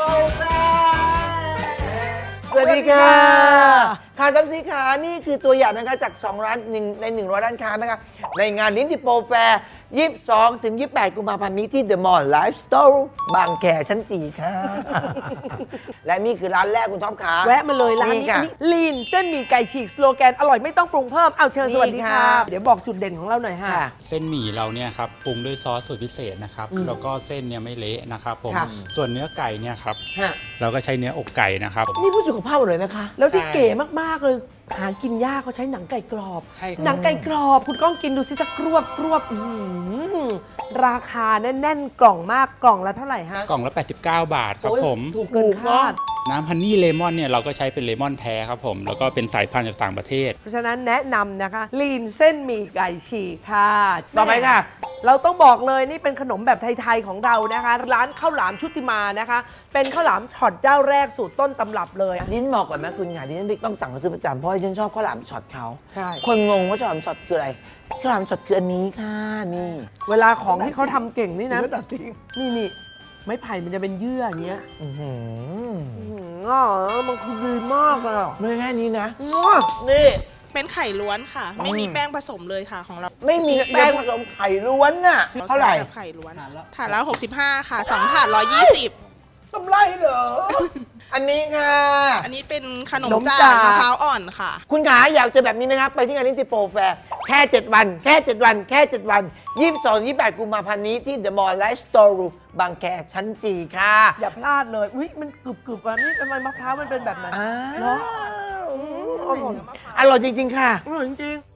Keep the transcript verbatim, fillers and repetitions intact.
แฟสวัสดีค่ะค่ะจำสีขานี่คือตัวอย่างนะคะจากสองร้านหนึ่งในหนึ่งร้อยร้านค้านะคะในงานลิ้นติโปรแฟร์ยี่สิบสองถึงยี่สิบแปดกุมภาพันธ์นี้ที่เดอะมอลล์ไลฟ์สโตร์บางแคชั้นจีค่ะ และนี่คือร้านแรกคุณท็อปขาแวะมาเลยร้านนี้ค่ะนี่ลีนเส้นหมี่ไก่ฉีกสโลแกนอร่อยไม่ต้องปรุงเพิ่มเอาเชิญนี่สวัสดีค่ะค่ะเดี๋ยวบอกจุดเด่นของเราหน่อยค่ะค่ะเส้นหมี่เราเนี่ยครับปรุงด้วยซอสสูตรพิเศษนะครับอืมแล้วก็เส้นเนี่ยไม่เละนะครับผมค่ะส่วนเนื้อไก่เนี่ยครับฮะเราก็ใช้เนื้ออกไก่นะครับนี่ผู้สุขภาพหมดเลยนะคะแล้วที่ใช่เก๋มากๆเลยหากินยากเขาใช้หนังไก่กรอบใช่ครับหนังไก่กรอบคุณก้องกินดูสิสักกรวบกรวบอื้อหือราคาแน่นๆกล่องมากกล่องละเท่าไหร่ฮะกล่องละแปดสิบเก้าบาทครับโอ้ยผมถูกเกินคาดน้ำฮันนี่เลมอนเนี่ยเราก็ใช้เป็นเลมอนแท้ครับผมแล้วก็เป็นสายพันธุ์จากต่างประเทศเพราะฉะนั้นแนะนำนะคะลีนเส้นหมี่ไก่ฉีกค่ะต่อไปค่ะเราต้องบอกเลยนี่เป็นขนมแบบไทยๆของเรานะคะ ร้านข้าวหลามชุติมานะคะ เป็นข้าวหลามช็อตเจ้าแรกสูตรต้นตำรับเลยลิ้นบอกก่อนนะคุณค่ะลิ้นต้องสั่งเขาซื้อประจำเพราะว่าฉันชอบข้าวหลามช็อตเขาใช่คนงงว่าข้าวหลามช็อตคืออะไรข้าวหลามช็อตคืออันนี้ค่ะนี่เวลาของที่เขาทำเก่งนี่นะเนื้อตัดทิ้งนี่นี่ไม้ไผ่มันจะเป็นเยื่ออย่างเงี้ยอื้อหืออื้อหืออ่ะมันคือดีมากเลยอ่ะไม่ใช่แค่นี้นะอื้อนี่เป็นไข่ล้วนค่ะ ไม่มีแป้งผสมเลยค่ะของเราไม่มีแป้งผสมไข่ล้วนน่ะเท่าไหร่แบบไข่ล้วนถาดละหกสิบห้าค่ะสองถาดร้อยยี่สิบกำไรเหรอ อันนี้ค่ะอันนี้เป็นขนมจากมะพร้าวอ่อนค่ะคุณขาอยากเจอแบบนี้นะครับ ไปที่งานนิติโปรแฟร์แค่ เจ็ด วัน แค่ เจ็ด วัน แค่ เจ็ด วันยี่สิบสอง ยี่สิบแปดกุมภาพันธ์นี้ที่เดอะมอลล์ไลฟ์สโตร์บางแคชั้นจีค่ะอย่าพลาดเลยอุ้ยมันกรึบกรึบๆอ่ะนี่ทำไมมะพร้าวมันเป็นแบบนั้นอ้าเนาะวอร่อยจริง ๆ ค่ะอร่อยจริงๆ